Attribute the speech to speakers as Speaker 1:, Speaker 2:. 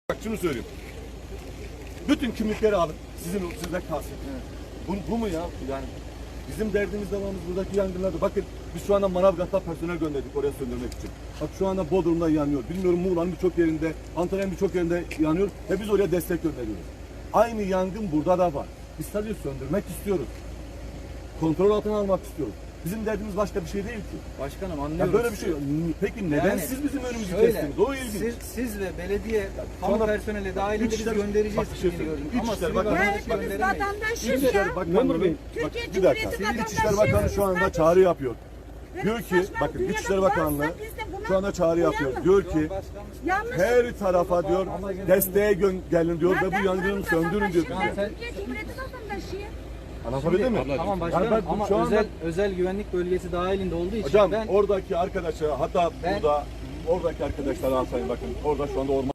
Speaker 1: Bak şunu söyleyeyim. Bütün kimlikleri alın. Sizde kalsın. Evet. Bu mu ya? Yani bizim derdimiz devamımız buradaki yangınlarda. Bakın biz şu anda Manavgat'ta personel gönderdik oraya söndürmek için. Bak şu anda Bodrum'da yanıyor. Bilmiyorum Muğla'nın birçok yerinde, Antalya'nın birçok yerinde yanıyor. Ve biz oraya destek gönderiyoruz. Aynı yangın burada da var. Biz sadece söndürmek istiyoruz. Kontrol altına almak istiyoruz. Bizim derdimiz başka bir şey değil ki.
Speaker 2: Başkanım anlıyorum.
Speaker 1: Ya böyle bir şey. Peki neden
Speaker 2: Yani
Speaker 1: siz bizim önümüzü
Speaker 2: şöyle,
Speaker 1: kestiniz? O ilginç.
Speaker 2: Siz ve belediye
Speaker 1: şu
Speaker 2: kamu
Speaker 1: anda
Speaker 2: personeli dahilinde biz göndereceğiz.
Speaker 1: Bak bir şey söyleyeyim. İçişleri Bakanı
Speaker 3: Ya hepimiz vatandaşız ya.
Speaker 1: Bakanı,
Speaker 3: Türkiye
Speaker 1: bir dakika.
Speaker 3: Cumhuriyeti
Speaker 1: İçişleri
Speaker 3: vatandaşı.
Speaker 1: Bakanı şu anda çağrı yapıyor. Diyor ki bakın İçişleri Bakanlığı şu anda çağrı yapıyor. Diyor ki her tarafa diyor desteğe gelin diyor ve bu yangını söndürün diyor.
Speaker 3: Türkiye Cumhuriyeti vatandaşıyım.
Speaker 1: Anlatabildim mi?
Speaker 2: Tamam başkanım
Speaker 1: Yani
Speaker 2: ama
Speaker 1: şu anda,
Speaker 2: özel güvenlik bölgesi dahilinde olduğu için
Speaker 1: hocam
Speaker 2: ben
Speaker 1: oradaki arkadaşa hatta burada oradaki arkadaşlara alsayın bakın orada şu anda orman